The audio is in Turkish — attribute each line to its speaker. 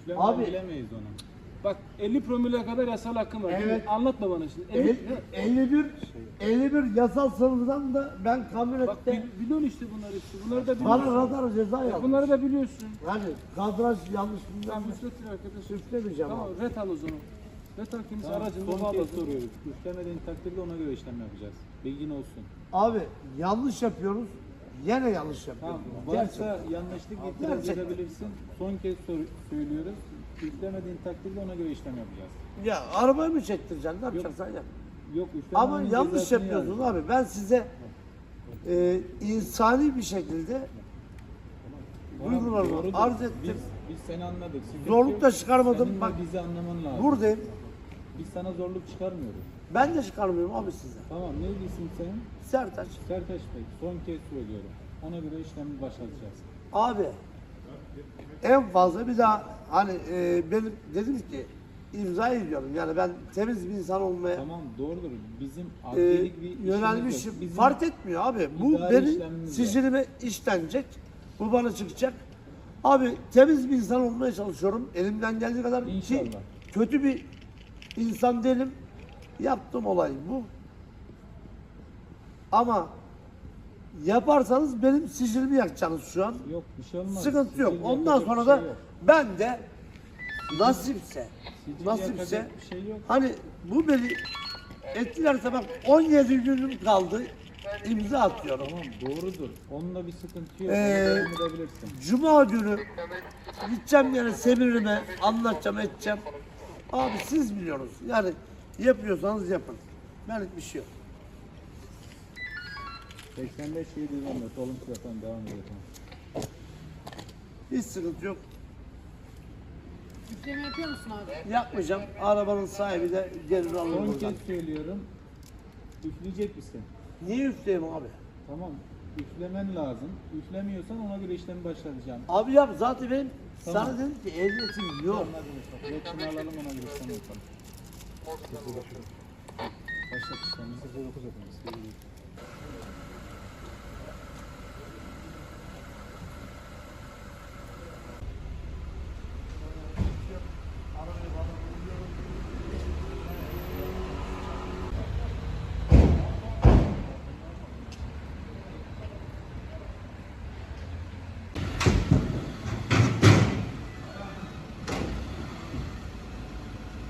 Speaker 1: Üflemeden
Speaker 2: Abi-
Speaker 1: bilemeyiz onu. Bak 50 promile kadar yasal hakkım var.
Speaker 2: Evet.
Speaker 1: Anlatma bana şimdi.
Speaker 2: 51 yasal sınırdan da ben
Speaker 1: Bak
Speaker 2: kamyonette
Speaker 1: biliyorsun işte bunları işte. Bunları da
Speaker 2: bana
Speaker 1: biliyorsun.
Speaker 2: radar ceza yaptı.
Speaker 1: Bunları da biliyorsun.
Speaker 2: Yani kadraj yanlış bilmem
Speaker 1: Tamam
Speaker 2: ne.
Speaker 1: üfletin arkadaş.
Speaker 2: Üflemeyeceğim
Speaker 1: Tamam
Speaker 2: abi.
Speaker 1: ret al o zaman. Ret al kimse
Speaker 3: Tamam,
Speaker 1: aracında
Speaker 3: son kez
Speaker 1: bağlasın.
Speaker 3: soruyoruz. Üflemediğin takdirde ona göre işlem yapacağız. Bilgin olsun.
Speaker 2: Abi yanlış yapıyoruz. Yine yanlış
Speaker 3: Tamam.
Speaker 2: yapıyoruz.
Speaker 3: Varsa yanlışlık itiraz
Speaker 2: Gerçekten.
Speaker 3: edebilirsin. Son kez söylüyoruz. Üflemediğin takdirde ona göre işlem yapacağız.
Speaker 2: Ya arabayı mı çektireceksin? Ne yapacaksan yap.
Speaker 3: Yok üflemenin
Speaker 2: Ama yanlış
Speaker 3: cezasını
Speaker 2: yapıyorsun
Speaker 3: yaz.
Speaker 2: abi. Ben size insani bir şekilde
Speaker 3: Tamam,
Speaker 2: duygularımı
Speaker 3: doğrudur.
Speaker 2: arz ettim.
Speaker 3: Biz seni anladık. Sıkıntı
Speaker 2: Zorluk
Speaker 3: yok.
Speaker 2: da çıkarmadım.
Speaker 3: Senin de
Speaker 2: Bak
Speaker 3: bizi anlaman lazım.
Speaker 2: buradayım.
Speaker 3: Biz sana zorluk çıkarmıyoruz.
Speaker 2: Ben de çıkarmıyorum abi size.
Speaker 3: Tamam neydi isim senin?
Speaker 2: Sertaç.
Speaker 3: Sertaç Bey. Son kez söylüyorum. Ona göre işlemi başlatacağız.
Speaker 2: Abi en fazla bir daha hani benim dedim ki imza ediyorum. Yani ben temiz bir insan olmaya
Speaker 3: Tamam doğrudur. Bizim adliyelik bir işimiz
Speaker 2: yönelmişim.
Speaker 3: yok. Bizim
Speaker 2: Fark etmiyor abi. Bu
Speaker 3: idari
Speaker 2: benim
Speaker 3: işlemimiz var.
Speaker 2: sicilime işlenecek. Bu bana çıkacak. Abi temiz bir insan olmaya çalışıyorum. Elimden geldiği kadar ki
Speaker 3: İnşallah.
Speaker 2: kötü bir insan değilim. Yaptığım olay bu. Ama yaparsanız benim sicilimi yakacaksınız şu an.
Speaker 3: Yok bir şey olmaz.
Speaker 2: Sıkıntı yok.
Speaker 3: Sicil
Speaker 2: Ondan
Speaker 3: yakacak
Speaker 2: sonra
Speaker 3: bir
Speaker 2: da
Speaker 3: şey yok.
Speaker 2: ben de nasipse
Speaker 3: Sicil
Speaker 2: nasipse
Speaker 3: yakacak bir şey yok.
Speaker 2: hani bu beni etkilerse bak 17 günüm kaldı imza atıyorum.
Speaker 3: Tamam doğrudur. Onunla bir sıkıntı yok.
Speaker 2: Ee,
Speaker 3: Ona devam edebilirsin.
Speaker 2: Cuma günü gideceğim yani semirime anlatacağım edeceğim. Abi siz biliyorsunuz yani yapıyorsanız yapın. Benlik bir şey yok.
Speaker 3: 85 714 olumsuz efendim devam edelim.
Speaker 2: Hiç sıkıntı yok.
Speaker 4: Üfleme yapıyor musun abi?
Speaker 2: Yapmayacağım. Arabanın sahibi de gelir alır
Speaker 3: Son
Speaker 2: buradan.
Speaker 3: kez söylüyorum. Üfleyecek misin?
Speaker 2: Niye üfleyeyim abi?
Speaker 3: Tamam. Üflemen lazım. Üflemiyorsan ona göre işlemi başlatacağım.
Speaker 2: Abi yap zaten benim
Speaker 3: Tamam.
Speaker 2: sana dedim ki ehliyetim yok.
Speaker 3: Yokunu alalım ona göre işlem yapalım. Başlat işlemi. 09 yapalım.